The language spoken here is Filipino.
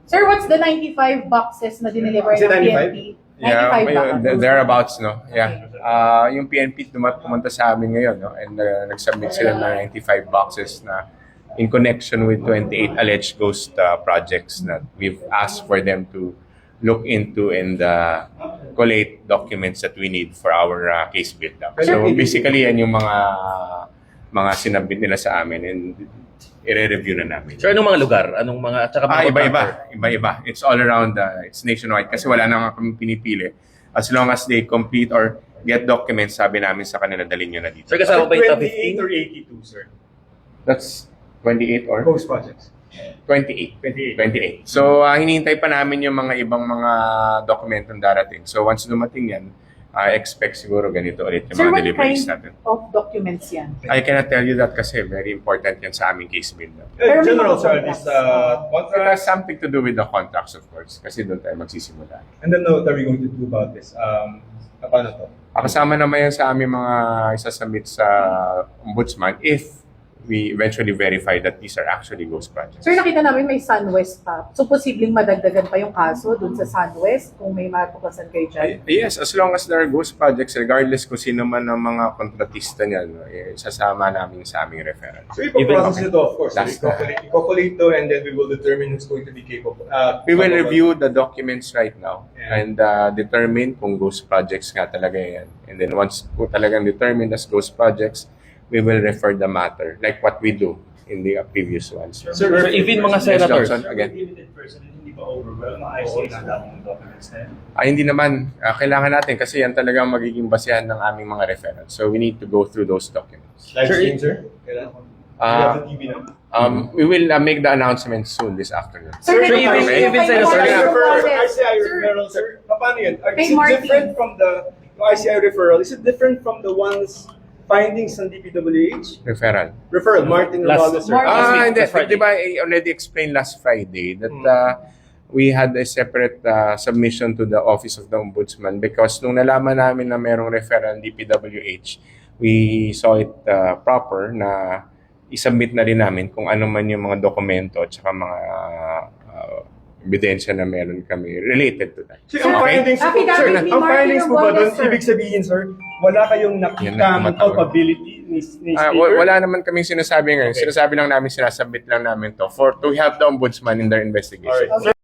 Sir, what's the 95 boxes na dineliver Is it ng 95? PNP? Yeah, 95 boxes. thereabouts, no? Yeah. Yung PNP pumunta sa amin ngayon, no? And nag-submit sila ng 95 boxes na in connection with 28 alleged ghost projects that we've asked for them to look into and collate documents that we need for our case build-up. So basically, yan yung mga sinabit nila sa amin and i-review na namin. Sir, anong mga lugar? Anong mga, at saka mga Iba-iba. It's all around, it's nationwide kasi wala na nga kami pinipili. As long as they complete or get documents, sabi namin sa kanila, dalhin nyo na dito. Sir, kasama ba yung top 28 15? or 82, sir? That's 28 or? Ghost projects. 28. So, hinihintay pa namin yung mga ibang mga dokumentong darating. So, once dumating yan, I expect siguro ganito ulit yung Sir, mga what deliveries kind natin. of documents yan? I cannot tell you that kasi very important yan sa aming case build. Pero may General, mga sir, contracts. this It has contract, something to do with the contracts, of course, kasi doon tayo magsisimula. and then what are we going to do about this? Paano to? Kasama naman yan sa aming mga isasubmit sa ombudsman if we eventually verify that these are actually ghost projects. Sir, nakita namin may SunWest pa. So, posibleng madagdagan pa yung kaso dun sa SunWest kung may matuklasan kayo dyan? Yes, as long as there are ghost projects, regardless kung sino man ang mga kontratista niyan, sasama namin sa aming referral. So, ipaprocess ito, of course. That's I-calculate to, and then we will determine who's going to be capable. We will review the documents right now Yeah. and determine kung ghost projects nga talaga yan. And then once po talagang determined as ghost projects, we will refer the matter like what we do in the previous ones. Sir, even mga senators. Johnson, again. Limited person, hindi ba overwhelmed? Ayos na dami ng documents na yan. Hindi naman. Kailangan natin kasi yan talagang magiging basehan ng aming mga referrals. So we need to go through those documents. Live Sir, stream, sir? Kailan? Uh, You have the TV now? We will make the announcement soon this afternoon. Sir, Sir, even Senator ICI referral, sir. Paano yun? Kay Is it Martin. different from the ICI referral? Is it different from the ones findings ng DPWH? Referral. Referral, Martin Last- Romualdez, sir. Martin. Hindi. last Friday. Di ba I already explained last Friday that we had a separate submission to the Office of the Ombudsman because nung nalaman namin na merong referral ng DPWH, we saw it proper na isubmit na rin namin kung ano man yung mga dokumento at saka mga ebidensya na meron kami related to that. Sir, ang findings po, Affidavit sir, ni ang Martin findings po ba doon, Romualdez, sir. ibig sabihin, sir, wala kayong Yan na, nakitang tumatawag. culpability ni Speaker? Wala naman kaming sinasabi ngayon. Okay. Sinasabi lang namin, sinasubmit lang namin to to help the Ombudsman in their investigation. Alright.